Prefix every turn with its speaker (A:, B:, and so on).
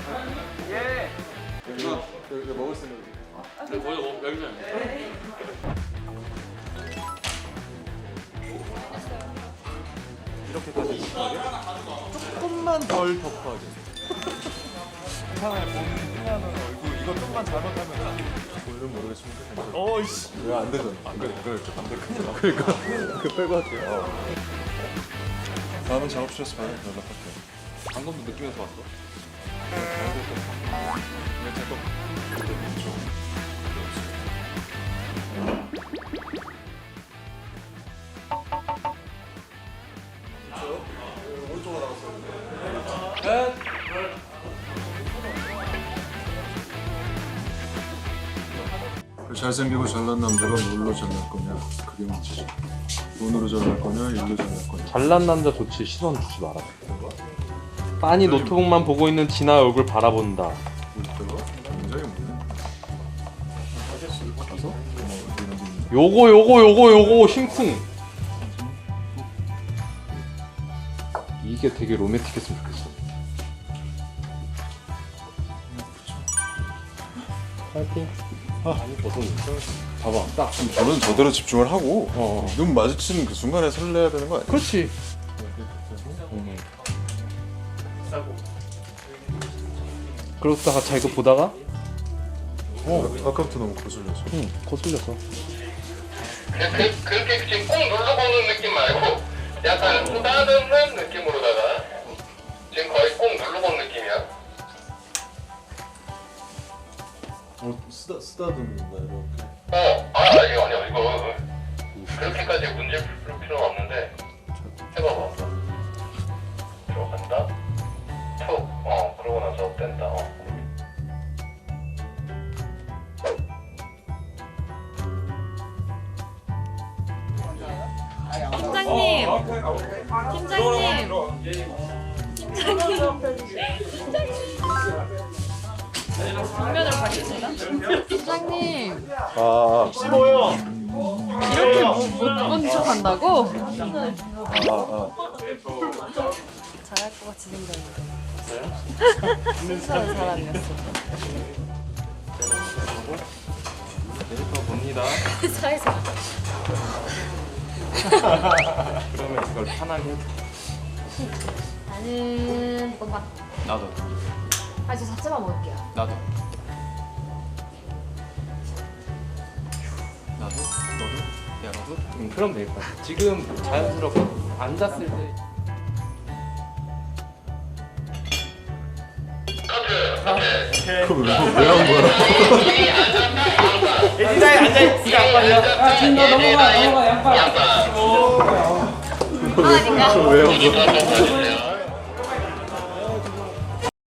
A: 예.
B: 이거 먹을 수 있는
A: 네, 거기서 여기서.
B: 이렇게까지 딥하게? 조금만 덜 딥하게. 세상에 보는 얼굴 이거 좀만 잘못하면 오늘은 모르겠지만 괜찮아. 어이씨 왜 안 되잖아. 안 그래 안돼 큰일 나. 그러니까 그 빼고 할게요. 다음은 작업실에서 봐요. 연락할게요.
A: 방금도 느끼면서 왔어.
B: 잘생기고 잘난 남자가 뭘로 잘날 거냐 그게 문제지. 돈으로 잘날 거냐 일로 잘날 거냐.
C: 잘난 남자 좋지 시선 주지 마라. 빤히 노트북만 보고 있는 진아 얼굴 바라본다.
B: 이때가 굉장히 많네. 가서
C: 요거 심쿵. 이게 되게 로맨틱했으면 좋겠어. 파이팅.
B: 아니 벗어졌어. 봐봐 딱 저는 저대로 집중을 하고 눈 마주치는 그 순간에 설레야 되는 거 아니야?
C: 그렇지. 그러다가 자 이거 보다가
B: 아까부터 너무 거슬려서.
C: 거슬렸어.
D: 그렇게 지금 꼭 누르고는 느낌 말고 약간 쓰다듬는 느낌으로다가 지금 거의 꼭 누르고는 느낌이야.
B: 쓰다듬는다 이렇게.
D: 아니 이거 그렇게까지 문제 풀 필요는 없는데 해봐봐. 들어간다. 툭. 그러고 나서 뺀다.
E: 팀장님, 팀장님, 정면으로 가겠습니다. 팀장님, 이렇게 못본 척한다고? 잘할 것 같이 생겼는데. 순수한 사람이었어.
C: 데이터 봅니다.
E: 사회생.
C: 그러면 이걸 편하게 해줘.
E: 나는 볶음밥.
A: 나도.
E: 저 자체만 먹을게요.
A: 나도. 나도. 너도. 야 너도.
C: 그럼 되겠다. 지금 자연스럽게 앉았을 때.
B: 그걸 왜한 거야?
A: 의자에 앉아 있으면 안 걸려.
E: 진짜 넘어가 양파.
B: 왜한 거야?